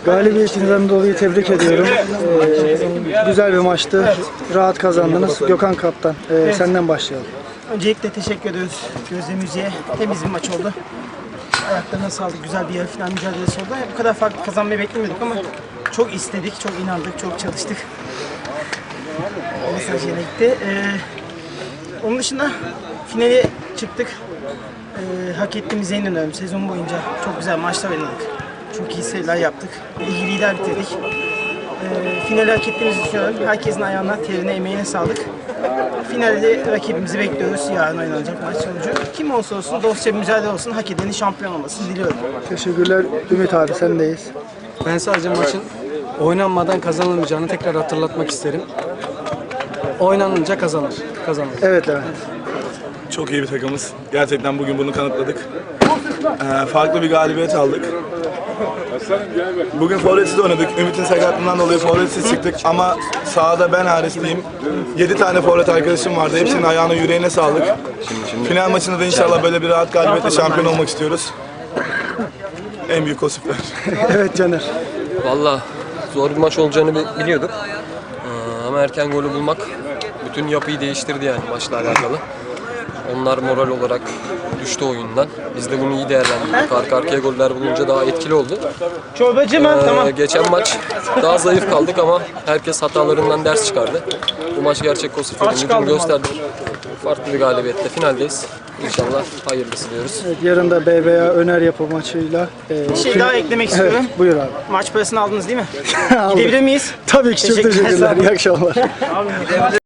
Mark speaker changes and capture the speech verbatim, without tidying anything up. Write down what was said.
Speaker 1: Galibiyetinizden dolayı tebrik ediyorum. Ee, güzel bir maçtı. Rahat kazandınız. Gökhan Kaptan, e,
Speaker 2: Evet.
Speaker 1: senden başlayalım.
Speaker 2: Öncelikle teşekkür ediyoruz Gözde Müziğe. Temiz bir maç oldu. Ayaklarına sağlık. Güzel bir yarı final mücadelesi oldu. Bu kadar farklı kazanmayı beklemiyorduk ama çok istedik, çok inandık, çok çalıştık. Mesaj yine gitti. Ee, onun dışında finale çıktık. Ee, hak ettiğimize inanıyorum. Sezon boyunca çok güzel maçlar oynadık. Çok iyi seriler yaptık. Ligi lider bitirdik. Ee, finali hak ettiğimizi düşünüyorum. Herkesin ayağına, terine, emeğine sağlık. Finalde rakibimizi bekliyoruz. Yarın oynanacak maç sonucu. Kim olsa olsun, dostça bir mücadele olsun, hak edenin şampiyon olmasını diliyorum.
Speaker 1: Teşekkürler. Ümit abi sendeyiz.
Speaker 3: Ben sadece maçın oynanmadan kazanılmayacağını tekrar hatırlatmak isterim. Oynanınca kazanır. Kazanır.
Speaker 1: Evet Levent.
Speaker 4: Çok iyi bir takımız. Gerçekten bugün bunu kanıtladık. Ee, farklı bir galibiyet aldık. Bugün forvetsiz oynadık. Ümit'in sakatlığından dolayı forvetsiz çıktık ama sahada ben hariç diyeyim. yedi tane forvet arkadaşım vardı. Hepsinin ayağına yüreğine sağlık. Final maçında da inşallah böyle bir rahat galibiyetle şampiyon olmak istiyoruz. En büyük o süper.
Speaker 1: Evet Caner.
Speaker 5: Valla zor bir maç olacağını bi- biliyorduk. Ee, Ama erken golü bulmak bütün yapıyı değiştirdi yani maçla alakalı. Onlar moral olarak düştü oyundan. Biz de bunu iyi değerlendirdik. Arka arkaya goller bulunca daha etkili oldu.
Speaker 2: Çorbacı mı?
Speaker 5: Ee,
Speaker 2: Tamam.
Speaker 5: Geçen maç daha zayıf kaldık ama herkes hatalarından ders çıkardı. Bu maç gerçek Kosif'in
Speaker 2: Aç
Speaker 5: gücünü
Speaker 2: kaldım
Speaker 5: gösterdi. Farklı bir galibiyetle finaldeyiz. İnşallah hayırlısı diyoruz.
Speaker 1: Evet, yarın da B B A Öner Yapı maçıyla. e,
Speaker 2: Bir şey daha eklemek istiyorum.
Speaker 1: Evet, buyur abi.
Speaker 2: Maç parasını aldınız değil mi?
Speaker 1: Aldık.
Speaker 2: Gidebilir miyiz?
Speaker 1: Tabii ki çok
Speaker 2: Teşekkürler,
Speaker 1: teşekkürler.
Speaker 2: sağ olun.
Speaker 1: İyi akşamlar.